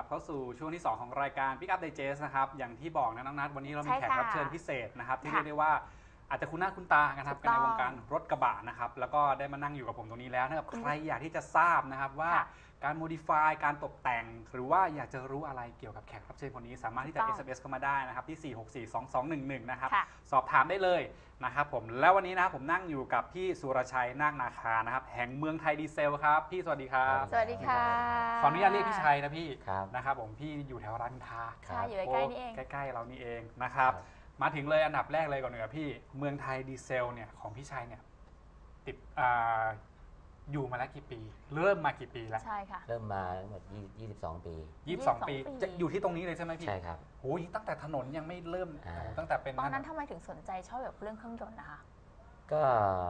เข้าสู่ช่วงที่ 2 ของรายการ Pick Up Digest นะครับอย่างที่บอกนะน้องนัทวันนี้เรามีแขกรับเชิญพิเศษนะครับที่เรียกได้ว่าอาจจะคุ้นหน้าคุ้นตากันครับกันในวงการรถกระบะนะครับแล้วก็ได้มานั่งอยู่กับผมตรงนี้แล้วนะครับใครอยากที่จะทราบนะครับว่าการ modify การตกแต่งหรือว่าอยากจะรู้อะไรเกี่ยวกับแขกรับเชิญคนนี้สามารถที่จะ SMS เข้ามาได้นะครับที่4642211นะครับสอบถามได้เลยนะครับผมแล้ววันนี้นะผมนั่งอยู่กับพี่สุรชัยนาคนาคานะครับแห่งเมืองไทยดีเซลครับพี่สวัสดีครับสวัสดีค่ะขออนุญาตเรียกพี่ชัยนะพี่นะครับผมพี่อยู่แถวรามอินทราใช่อยู่ใกล้ๆนี่เองใกล้ๆเรานี่เองนะครับมาถึงเลยอันดับแรกเลยก่อนเลยพี่เมืองไทยดีเซลเนี่ยของพี่ชัยเนี่ยติดอยู่มาแล้วกี่ปีเริ่มมากี่ปีแล้วใช่ค่ะเริ่มมาหมด22 ปี 22 ปีจะอยู่ที่ตรงนี้เลยใช่ไหมพี่ใช่ครับโอ้ยตั้งแต่ถนนยังไม่เริ่มตั้งแต่เป็นตอนนั้นทำไมถึงสนใจชอบแบบเรื่องเครื่องยนต์นะคะก็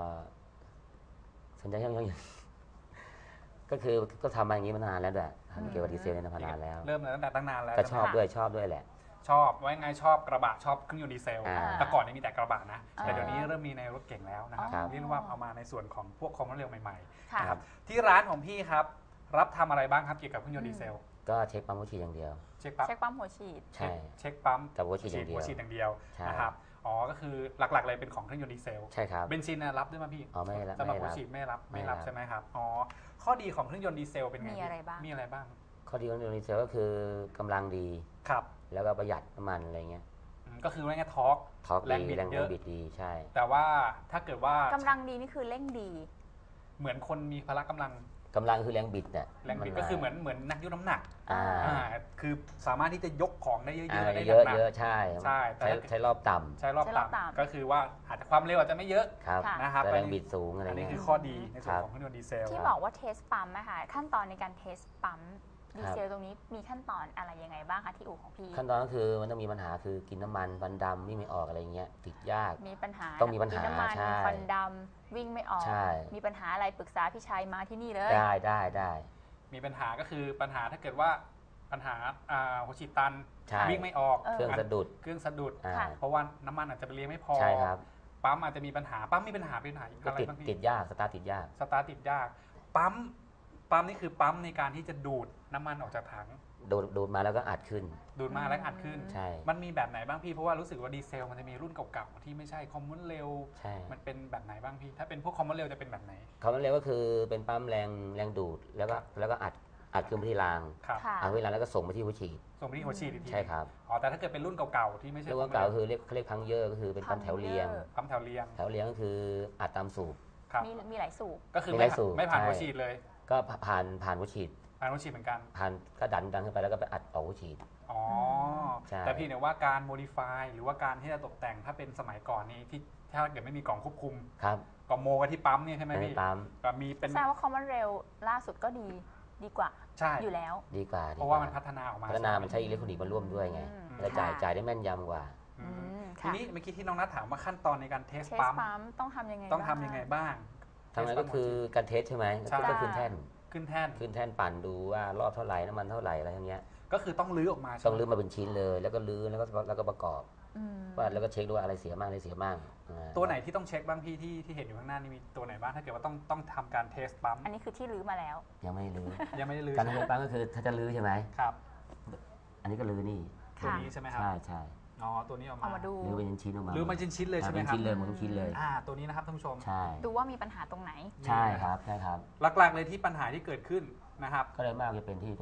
สนใจเครื่องยนต์ก็คือก็ทำมาอย่างนี้มานานแล้วด้วยทำเกี่ยวกับดีเซลเนี่ยมานานแล้วเริ่มตั้งแต่ตั้งนานแล้วก็ชอบด้วยแหละชอบไว้ไงชอบกระบะชอบเครื่องยนต์ดีเซลแต่ก่อนนี่มีแต่กระบะนะแต่เดี๋ยวนี้เริ่มมีในรถเก่งแล้วนะครับเรียกว่าเอามาในส่วนของพวกคอมมอนเรลใหม่ๆนะครับที่ร้านของพี่ครับรับทำอะไรบ้างครับเกี่ยวกับเครื่องยนต์ดีเซลก็เช็คปั๊มหัวฉีดอย่างเดียวเช็คปั๊มหัวฉีดใช่เช็คปั๊มกับหัวฉีดอย่างเดียวนะครับอ๋อก็คือหลักๆเลยเป็นของเครื่องยนต์ดีเซลใช่ครับเบนซินรับด้วยมั้ยพี่อ๋อไม่รับสำหรับหัวฉีดไม่รับใช่ไหมครับอ๋อข้อดีของเครื่องยนต์ดีเซลเป็นไงมีอะไรบ้างข้อดีของเครื่องยนต์ดีเซลก็คือกำลังดีครับแล้วก็ประหยัดน้ำมันอะไรเงี้ยก็คือว่าไงทอร์กแรงบิดดีใช่แต่ว่าถ้าเกิดว่ากำลังดีนี่คือเร่งดีเหมือนคนมีพละกำลังคือแรงบิดเนี่ยแรงบิดก็คือเหมือนนักยกน้ำหนักคือสามารถที่จะยกของได้เยอะๆได้เยอะใช่ใช้รอบต่ำก็คือว่าอาจจะความเร็วอาจจะไม่เยอะนะครับแรงบิดสูงอะไรนี่คือข้อดีในส่วนของเครื่องยนต์ดีเซลที่บอกว่าเทสปั๊มนะคะขั้นตอนในการเทสปั๊มดีเซลตรงนี้มีขั้นตอนอะไรยังไงบ้างคะที่อู่ของพี่ขั้นตอนก็คือมันต้องมีปัญหาคือกินน้ำมันควันดำวิ่งไม่ออกอะไรเงี้ยติดยากมีปัญหาต้องมีปัญหากินน้ำมันควันดำวิ่งไม่ออกมีปัญหาอะไรปรึกษาพี่ชัยมาที่นี่เลยได้มีปัญหาก็คือปัญหาถ้าเกิดว่าปัญหาหัวฉีดตันวิ่งไม่ออกเครื่องสะดุดเพราะว่าน้ำมันอาจจะไปเลี้ยงไม่พอใช่ครับปั๊มอาจจะมีปัญหาปั๊มมีปัญหาอะไรบ้างพี่ติดยากสตาร์ทติดยากปั๊มนี่คือปั๊มในการที่จะดูดน้ำมันออกจากถังดูดมาแล้วก็อัดขึ้นใช่มันมีแบบไหนบ้างพี่เพราะว่ารู้สึกว่าดีเซลมันจะมีรุ่นเก่าๆที่ไม่ใช่คอมมอนเรลมันเป็นแบบไหนบ้างพี่ถ้าเป็นพวกคอมมอนเรลจะเป็นแบบไหนคอมมอนเรลก็คือเป็นปั๊มแรงดูดแล้วก็อัดขึ้นไปที่รางอัดไปที่รางแล้วก็ส่งไปที่หัวฉีดอีกทีใช่ครับอ๋อแต่ถ้าเกิดเป็นรุ่นเก่าๆที่ไม่ใช่รุ่นเก่าคือเรียกพังเยอร์ก็คือเป็นปั๊มแถวเรียงก็คืออัดตามสูบมีหลายสูบก็คือไม่ผ่านหัวฉีดเลยก็ผ่านหัวฉีดเหมือนกันก็ดันขึ้นไปแล้วก็ไปอัดออกหัวฉีดอ๋อแต่พี่เนี่ยว่าการ modify หรือว่าการที่จะตกแต่งถ้าเป็นสมัยก่อนนี้ที่ถ้าเกิดไม่มีกล่องควบคุมก็โมกันที่ปั๊มเนี่ยใช่ไหมพี่ก็มีเป็นแสดงว่า Common Rail ล่าสุดก็ดีกว่าอยู่แล้วดีกว่าเพราะว่ามันพัฒนาออกมามันใช้อิเล็กทรอนิกส์มาร่วมด้วยไงและจ่ายได้แม่นยำกว่าทีนี้เมื่อกี้ที่น้องนัทถามว่าขั้นตอนในการเทสปั๊มต้องทำยังไงบ้างทำไงก็คือการเทสใช่ไหมก็ขึ้นแท่นปั่นดูว่ารอบเท่าไหร่น้ำมันเท่าไหร่อะไรอย่างเงี้ยก็คือต้องลื้อออกมาต้องลื้อมาเป็นชิ้นเลยแล้วก็ลื้อแล้วก็ประกอบว่าแล้วก็เช็คดูว่าอะไรเสียบ้างตัวไหนที่ต้องเช็คบ้างพี่ที่เห็นอยู่ข้างหน้านี่มีตัวไหนบ้างถ้าเกิดว่าต้องทำการเทสปั๊มอันนี้คือที่ลื้อมาแล้วยังไม่ลื้อการเทสปั๊มก็คือถ้าจะลื้อใช่ไหมครับอันนี้ก็ลื้อนี่ตัวนี้ใช่ไหมครับใช่อ๋อตัวนี้เอามาดูลื้อเป็นชิ้นออกมาลื้อมาชิ้นเลยใช่ไหมครับชิ้นเลยมันชิ้นเลยตัวนี้นะครับท่านผู้ชมใช่ดูว่ามีปัญหาตรงไหนใช่ครับหลักๆเลยที่ปัญหาที่เกิดขึ้นนะครับก็เลยมากจะเป็นที่ตัว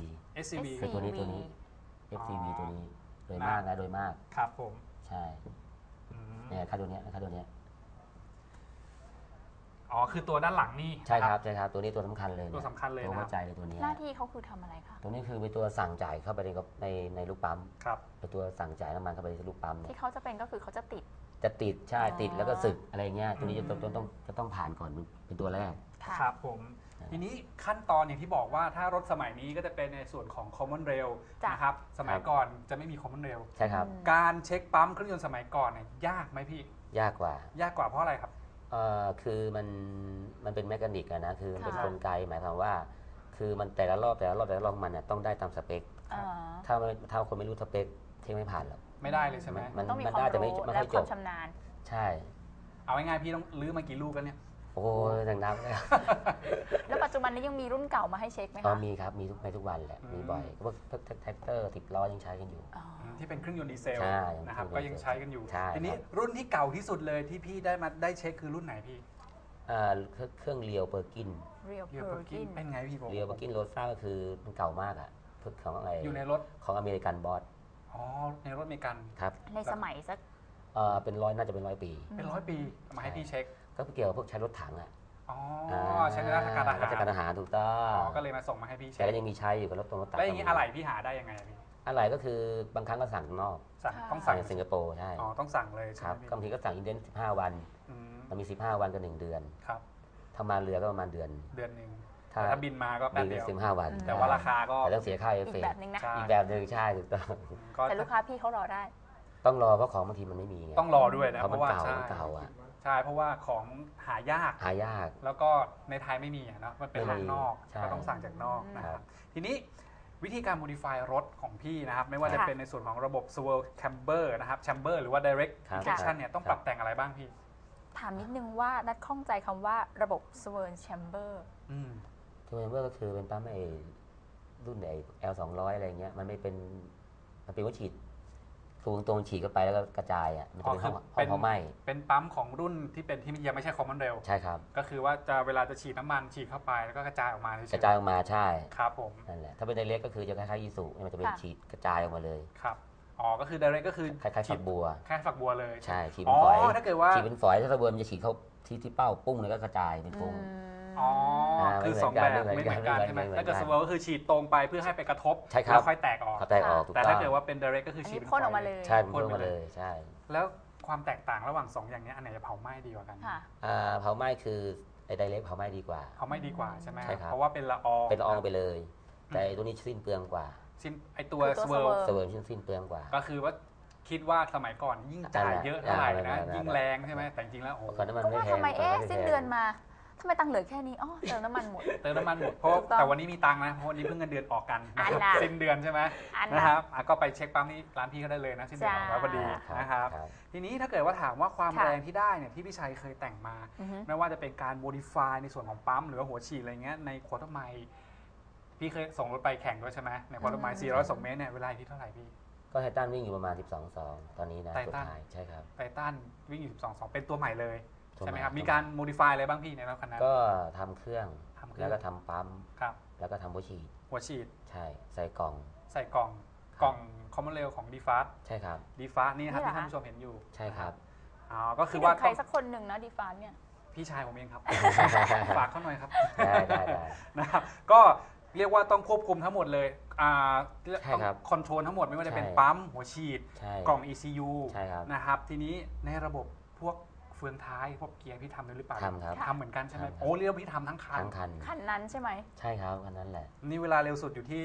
SCV คือตัวนี้ FCV ตัวนี้โดยมากครับผมใช่เนี่ยค่าตัวนี้อ๋อคือตัวด้านหลังนี่ใช่ครับตัวนี้ตัวสำคัญเลยตัวสำคัญเลยตัวหัวใจเลยตัวนี้หน้าที่เขาคือทำอะไรคะตัวนี้คือเป็นตัวสั่งจ่ายเข้าไปในลูกปั๊มครับเป็นตัวสั่งจ่ายน้ำมันเข้าไปในลูกปั๊มที่เขาจะเป็นก็คือเขาจะติดใช่ติดแล้วก็สึกอะไรเงี้ยตัวนี้จะต้องผ่านก่อนเป็นตัวแรกครับผมทีนี้ขั้นตอนอย่างที่บอกว่าถ้ารถสมัยนี้ก็จะเป็นในส่วนของ Common Rail นะครับสมัยก่อนจะไม่มี Common Rail ใช่ครับการเช็คปั๊มเครื่องยนต์สมัยก่อนเนี่ยยากไหมพี่ยากกว่าเพราะอะไรครับคือมันเป็นแมคานิกนะคือมันเป็นกลไกหมายความว่าคือมันแต่ละรอบมันเนี่ยต้องได้ตามสเปคถ้าคนไม่รู้สเปคเช็คไม่ผ่านหรอกไม่ได้เลยใช่ไหมมันต้องมีความรู้และความชำนาญใช่เอาง่ายๆพี่ต้องลื้อมากี่ลูกกันเนี่ยโอ้ยนักๆเลยแล้วปัจจุบันนี้ยังมีรุ่นเก่ามาให้เช็คไหมอ๋อคะมีครับ มีทุกวันแหละ มีบ่อยพวกแท็กเตอร์10 ล้อยังใช้กันอยู่อ๋อที่เป็นเครื่องยนต์ดีเซลใช่นะครับเครื่ก็องยนต์ยังใช้กันอยู่ใช่ทีนี้ครับรุ่นที่เก่าที่สุดเลยที่พี่ได้เช็คคือรุ่นไหนพี่เครื่องเรียวเปอร์กิน Real เรียวเปอร์กิน Perkin เป็นไงพี่ผมเรียวเปอร์กินโรซ่าก็คือมันเก่ามากอ่ะของอะไรอยู่ในรถของอเมริกันบอสอ๋อในรถอเมริกันครับในสมัยสักเป็นร้อยน่าจะเป็น100 ปีเป็น100 ปีเอามาให้พี่เช็คก็เกี่ยวกับพวกใช้รถถังอ่ะอ๋อใช้ในราชการทหารราชการทหารถูกต้ออ๋งอก็เลยมาส่งมาให้พี่แต่เช็คก็ยังมีใช้อยู่กับรถตรงรถตักแล้วอย่างนี้อะไรพี่หาได้ยังไงอะพี่อะไรก็คือบางครั้งก็สั่งข้างนอกสั่งค่ะต้องสั่สั่งงในสิงคโปร์ใช่อ๋อต้องสั่งเลยคใช่รับไหมบางทีพี่ก็สั่งอินเดน15 วันอืมมันมี15 วันกับ1 เดือนครับถ้ามาเรือก็ประมาณเดือนเดือนหนึ่งถ้าแต่ถ้าบินมาก็แป๊บบินเดียว 15 วันแต่ว่าราคาก็แต่ต้องเสียค่าเอฟอีเฟกแบบนึงนะใช่อีกแบบหนึ่งใช่ถูกต้องก็แต่ลูกค้าพี่เขารอได้ต้องรอเพราะของบางทีมันไม่มีไงต้องรอด้วยนะเพราะเพมันราะว่าเก่าใช่มันเก่าอ่ะใช่เพราะว่าของหายากหายากแล้วก็ในไทยไม่มีอะเนาะมันเป็นไม่ทางมีนอกใช่ก็ต้องสั่งจากนอกนะคครัรับบ ทีนี้วิธีการ modify รถของพี่นะครับไม่ว่าค่ะจะเป็นในส่วนของระบบ swirl camber นะครับ chamber หรือว่า direct ครับ injection เนี่ยต้องครับปรับแต่งอะไรบ้างพี่ถามนิดนึงว่านัดข้องใจคำว่าระบบ Swirl Chamber อืมทูเมมเบอร์ก็คือเป็นปั๊มไอ้รุ่นไอ้ L200 อะไรเงี้ยมันไม่เป็นมันเป็นว่าฉีดคือตรงๆฉีดเข้าไปแล้วก็กระจายอ่ะมันจะเป็นห้องเผาไหม้เป็นปั๊มของรุ่นที่เป็นที่ยังไม่ใช่ common rail ใช่ครับก็คือว่าจะเวลาจะฉีดน้ำมันฉีดเข้าไปแล้วก็กระจายออกมาเฉยๆกระจายออกมาใช่ครับผมนั่นแหละถ้าเป็นไดเรกก็คือจะคล้ายๆยีสุมันจะเป็นค่ะฉีดกระจายออกมาเลยครับอ๋อก็คือ direct ก็คือคล้ายๆฉีฝัดกบัวแค่ฝักบัวเลยใช่ฉีดอ๋เป็นอฝอยถ้าเกิดว่าฉีดเป็นฝอยถ้าฝักบัวมันจะฉีดเข้าที่เป้าปุ้งแล้วก็กระจายเป็นอืฟุ้งมอ๋อคือสองแบบไม่ไม่เห มือน นเหมือกักัน นใช่ไหมไม่เหมือนกันถ้าเกิด swirl ก็คือฉีดตรงไปเพื่อให้ไปกระทบใช่ครับแล้วค่อยแตกออกเขาแตกออกถูกแต่ต้อถ้าง เกิดว่าเป็น direct ก็คืออันฉีดนี้เป็นพ่นออกฝมาเลยใช่เป็นพ่นออกมาเลยใช่แล้วความแตกต่างระหว่างสองอย่างนี้อันไหนจะเผาไหม้ดีกว่ากันค่ะเผาไหม้คือไอ้ไดเรกเผาไหม้ดีกว่าเผาไหม้ดีกว่าใช่ไหมใช่ครับเพราะว่าเป็นละอองเป็นละอองไปเลย แต่ไอ้ตัวนี้สิ้นเปลืองกว่าสิ้นไอตัวคือตัว swirl swirl เสวิร์มสิ้นเปลืองกว่าก็คือว่าคิดว่าสมัยก่อนยิ่งจ่ายเยอะเท่าไหร่นะนั่นแหละยิ่งแรงใช่ไหมแต่จริงๆแล้วโอ้โหก่อนน้ำมันก็ไม่ว่าแพงทำไมก่สิ้นเดือนมาทำไมตังค์เหลือแค่นี้อ๋อเติมน้ำมันหมดเติมน้ำมันหมดเพราะถูกต้องแต่วันนี้มีตังค์นะเพราะวันนี้เพิ่งเงินเดือนออกกันอันน่ะสิ้นเดือนใช่ไหมอันนะนะครับก็ไปเช็คปั๊มนี้ร้านพี่ก็ได้เลยนะสิ้นเดือนออกแล้วพอดีจ้านะครับ ทีนี้ถ้าเกิดว่าถามว่าความค่ะแรงที่ได้เนี่ยที่พี่ชัยเคยแต่งมาอือฮึไม่ว่าจะเป็นการ modify ในส่วนของปั๊มหรือว่าหัวฉีดอะไรเงี้ยในควอเตอร์ไมล์พี่เคยส่งรถไปแข่งด้วยใช่ไหมในควอเตอร์ไมล์402 เมตรเนี่ยเวลาที่เท่าไหร่พี่ก็ไททันวิ่งอยู่ประมาณ 12.2 ตอนนี้นะไทสุดทันท้ายใช่ครับไททันวิ่งอยู่12.2 เป็นตัวใหม่เลยตัวใช่ไหมใหม่ครับตัวมีการ modify อะไรบ้างพี่ในรถคันนั้นก็ทำเครื่องทำเครื่แล้อวงก็ทำปั๊มครับแล้วก็ทำหัวฉีดหัวฉีดใช่ใส่กล่องใส่กล่องคอมมอนเรลของ d f a s t ใช่ครับ d f a s t นี่นะครับนี่เหรอที่ท่านผู้ชมเห็นอยู่ใช่ครับอ๋อก็คืคือ อว่าว่าใครสักคนหนึ่งนะดีฟานเนี่ยพี่ชายผมเองครับ ฝากเขาหน่อยครับได้นะครับก็เรียกว่าต้องควบคุมทั้งหมดเลยใช่ต้องครับคอนโทรลทั้งหมดไม่ว่าจะเป็นใช่ปั๊มหัวฉีดใช่กล่อง ECU ใช่ครับนะครับทีนี้ในระบบพวกเฟืองท้ายพวกเกียร์พี่ทำด้วยหรือเปล่าทำครับทำเหมือนกันใช่ไหมทำครับโอ้เรียกว่าพี่ทำทั้งคันทั้งคันคันนั้นใช่ไหมใช่ครับคันนั้นแหละนี่เวลาเร็วสุดอยู่ที่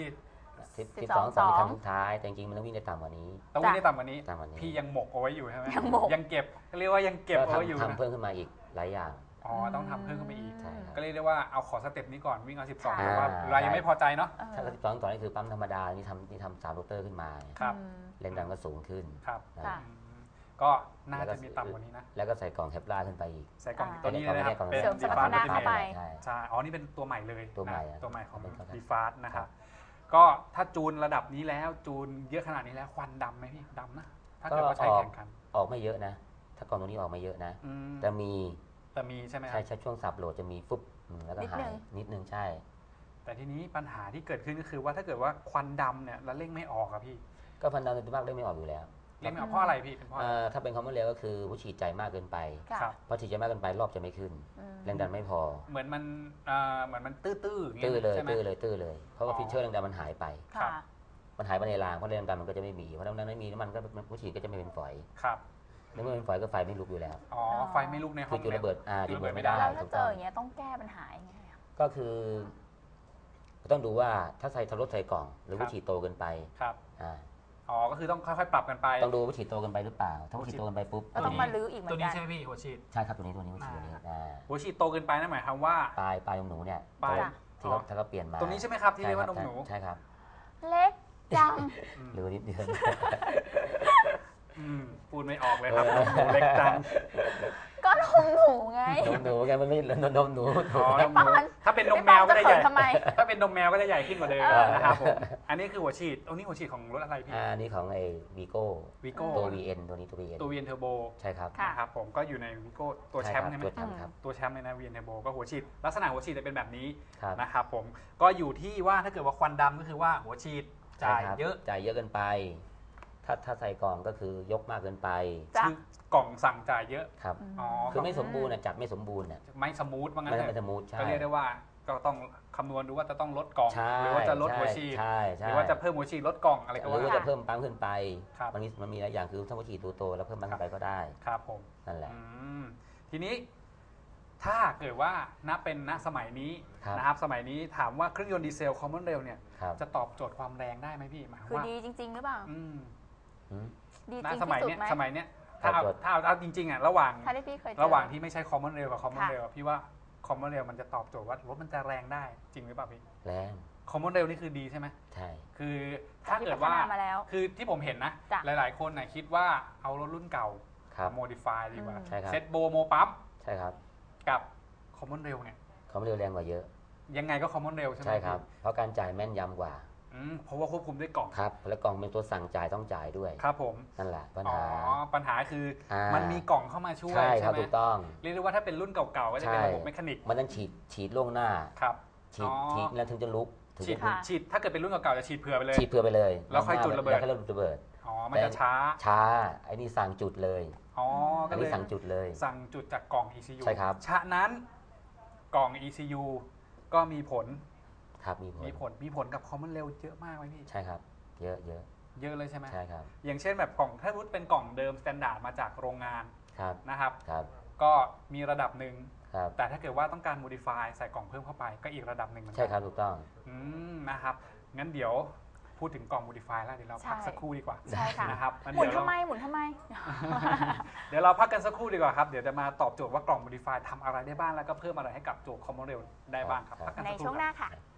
12.2คันสุดท้ายแต่จริงๆมันต้องวิ่งได้ต่ำกว่านี้ต้องวิ่งได้ต่ำกว่านี้ต่ำกว่านี้พี่ยังหมกเอาไว้อยู่ใช่ไหมยังหมกยังเก็บเรียกว่ายังเก็บก็เอาไว้อยู่ทำนะเพิ่มขึ้นมาอีกหลายอย่างอ๋อต้องทำเพิ่มขึ้นไปอีกใช่ครับก็เรียกได้ว่าเอาขอสเต็ปนี้ก่อนวิ่งเอา 12 ค่ะแต่ว่าเรายังไม่พอใจเนาะเออถ้า12ต่อนี่คือปั๊มธรรมดานี่ทำ3โรเตอร์ขึ้นมาครับอืมแรงดันก็สูงขึ้นครับนะค่ะอืมก็น่าจะมีต่ำกว่านี้นะแล้วก็ใส่กล่องเทปลาร์ขึ้นไปอีกใส่กล่องอ่าตัวนี้เลยนะครับกล่องเป็นเสริมสมรรถนะ Default เข้าไปใช่ใช่อ๋อนี่เป็นตัวใหม่เลยตัวใหม่นะอะตัวใหม่ของเป็นตัวใหม่ดีฟาสนะครับ ก็ถ้าจูนระดับนี้แล้วจูนเยอะขนาดนี้แล้วควันดำไหมพี่ดำนะถ้าเกิดว่าใช้แข่งกันออกไม่เยอะนะ ถ้ากล่องตัวนี้ออกไม่เยอะนะอืมแต่มีแต่มีใช่ไหมคใช่รับใช่ช่วงสับโหลดจะมีฟุบแล้วก็นิดหานึยงนิดนึงใช่แต่ทีนี้ปัญหาที่เกิดขึ้นก็คือว่าถ้าเกิดว่าควันดำเนี่ยแล้วเร่งไม่ออกอะพี่ก็พันดาวในตัวมากได้ไม่ออกอยู่แล้วเร่งไม่ออกเพราะอะไรพี่เป็นเพราะอะไรถ้าเป็นคอมมอนเรลก็คือผู้ฉีดใจมากเกินไปค่ะครับเพราะฉีดใจมากเกินไปรอบจะไม่ขึ้นอืมแรงดันไม่พอเหมือนมันตื้อๆอย่างตื้อเงี้ยเลยใช่ไหมตื้อเลยตื้อเลย เพราะว่าอ๋อฟิชเชอร์แรงดันมันหายไปครัค่ะบมันหายไปในรางเพราะแรงดันมันก็จะไม่มีเพราะแรงดันไม่มีน้ำมันก็ผู้ฉีดก็จะไม่เป็นฝอยครับในเมื่อเป็นฝอยก็ไฟไม่ลุกอยู่แล้วอ๋อไฟไม่ลุกในห้คือ อง จุดแล้วระเบิดจุดระเบิดไม่ได้แล้วถ้าถูกเจต้ออง อย่างเงี้ยต้องแก้ปัญหายังไงอะก็คือต้องดูว่าถ้าใส่ทารถใส่กล่อง หรือผู้ฉีดโตเกินไปครับอ่าอ๋อก็คือต้องค่อยๆปรับกันไปต้องดูว่าฉีดโตเกินไปหรือเปล่า ถ้าผู้ฉีดโตเกินไปปุ๊บก็ต้องมาลื้ออีกเหมืตัอวน นี้กันใช่ไหมพี่หัวฉีดใช่ครับตัวนี้ผู้ฉีดตัวนี้หัวฉีดโตเกินไปนั่นหมายความว่าปลายของหนูเนี่ยปลายที่เขาถ้าเขาเปลี่ยนมาตรงนี้ใช่ไหมครับที่เรียกว่านมหนูใช่ครับเล็กจังหรือนิดเดียวพูดไม่ออกเลยครับนมหนูเล็กจังก็นมหนูไงนมหนูไงมันไม่นมหนูอ๋อไอ้นมปาหนูมันถ้าเป็นนมไอ้แมปาวก็จะจะเขิใหญ่นทำไมถ้าเป็นนมแมวก็จะใหญ่ขึ้นกว่าเดิมเออนะครับผมอันนี้คือหัวฉีดตรงนี้หัวฉีดของรถอะไรพี่อันนี้ของไอ้วีโก้วิโก้ตัว VN ตัวนี้ตัว VN ตัว VN Turbo ใช่ครับค่ะนะครับผมก็อยู่ในวิโก้ตัวแชมป์ใช่ไหมตัวแชมป์ครับตัวแชมป์เลยนะ VN Turbo ก็หัวฉีดลักษณะหัวฉีดจะเป็นแบบนี้ครับนะครับผมก็อยู่ที่ว่าถ้าเกิดว่าควันดำก็คือว่าหัวฉีดจ่ายใช่ครับเยอะจ่ายเยอะเกินไป ถ้าใส่กล่องก็คือยกมากเกินไปจ้ะคือกล่องสั่งจ่ายเยอะครับอ๋อคือไม่สมบูรณ์นะจัดไม่สมบูรณ์น่ะไม่สมูทว่างั้นไม่เถไม่อะสมูทใช่ก็เรียกได้ว่าก็ต้องคำนวณดูว่าจะต้องลดกล่องใช่หรือว่าจะลดหัวฉีดใช่หใช่รือว่าจะเพิ่มหัวฉีดลดกล่องอะไรก็หรือว่าว่าจะเพิ่มปั๊มขึ้นไปครับมันมีหลายอย่างคือถ้าหัวฉีดตัวโตแล้วเพิ่มปั๊มขึ้นไปก็ได้ครับผมนั่นแหละอืมทีนี้ถ้าเกิดว่าเป็นณสมัยนี้ครับนะครับสมัยนี้ถามว่าเครื่องยนต์ดีเซล Common Rail เนี่ยครับจะตอบโจทย์ความแรงได้ไหมพี่หมายความคือว่าดีจริง ๆ หรือเปล่าอืมอืมดีณจริงสมัยที่สุดเนี้ยไหมสมัยเนี้ยถ้าเอาตอบโจทย์ถ้าเอาจริงๆอ่ะระหว่างถ้าที่พี่เคยเจอระหว่างที่ไม่ใช่ Common Rail กับ Common ค่ะ Rail อะพี่ว่า Common Rail มันจะตอบโจทย์ว่ารถมันจะแรงได้จริงหรือเปล่าพี่แรง Common Rail นี่คือดีใช่ไหมใช่คือถ้าเกิดว่าที่พัฒนามาแล้วคือที่ผมเห็นนะจ้ะหลายๆคนนะคิดว่าเอารถรุ่นเก่าครับโมดิฟายดีกว่าอืมใช่ครับเซตโบโมปั๊มใช่ครับกับ Common Rail เนี่ยเขาไม่เร็วแรงกว่าเยอะยังไงก็ Common Rail ใช่ไหมใช่ครับพี่เพราะการจ่ายแม่นยำกว่าเพราะว่าควบคุมด้วยกล่องครับ แล้วกล่องเป็นตัวสั่งจ่ายต้องจ่ายด้วยครับผมนั่นแหละปัญอ๋อหาปัญหาคืออามัมันมีกล่องเข้ามาช่วยใช่คใช่รับไหมถูกต้องเรียกได้ว่าถ้าเป็นรุ่นเก่าๆก็จะเป็นใช่ระบบเมคานิกมันต้องฉีดล่วงหน้าครับฉีดอ๋อฉีดแล้วถึงจะลุกถึงฉีดจะลุกค่ะฉีดถ้าเกิดเป็นรุ่นเก่าๆจะฉีดเผื่อไปเลยฉีดเพื่อไปเลยแล้วค่อยจุดระเบิดแล้วค่อยระเบิดอ๋อมันจะช้าช้าไอ้นี่สั่งจุดเลยอ๋ออัก็นเลนี้ยสั่งจุดเลยสั่งจุดจากกล่อง ECU ใช่ครับฉะนั้นกล่อง ECU ก็มีผลครับมีผลมีผลกับ Common Rail เยอะมากไหมพี่ใช่ครับ เยอะเยอะเลยใช่ไหมใช่ครับอย่างเช่นแบบกล่องถ้ารุ่นเป็นกล่องเดิมสแตนดาร์ดมาจากโรงงานครับนะครับครับก็มีระดับหนึ่งครับแต่ถ้าเกิดว่าต้องการ modify ใส่กล่องเพิ่มเข้าไปก็อีกระดับหนึ่งเหมือนกัใช่ครับถูกต้องนะครับงั้นเดี๋ยวพูดถึงกล่อง modify แล้วเดี๋ยวเราพักใช่สักครู่ดีกว่าใช่ค่ะนะครับงั้นหมุนเดี๋ยวทำไมหมุนทำไมเดี๋ยวเราพักกันสักครู่ดีกว่าครับเดี๋ยวจะมาตอบโจทย์ว่ากล่อง modify ทำอะไรได้บ้างแล้วก็เพิ่มอะไรให้กับโจทย์ Common Rail ได้บ้างครับครับพักกันในสักคช่วรู่งคหรับน้าค่ะ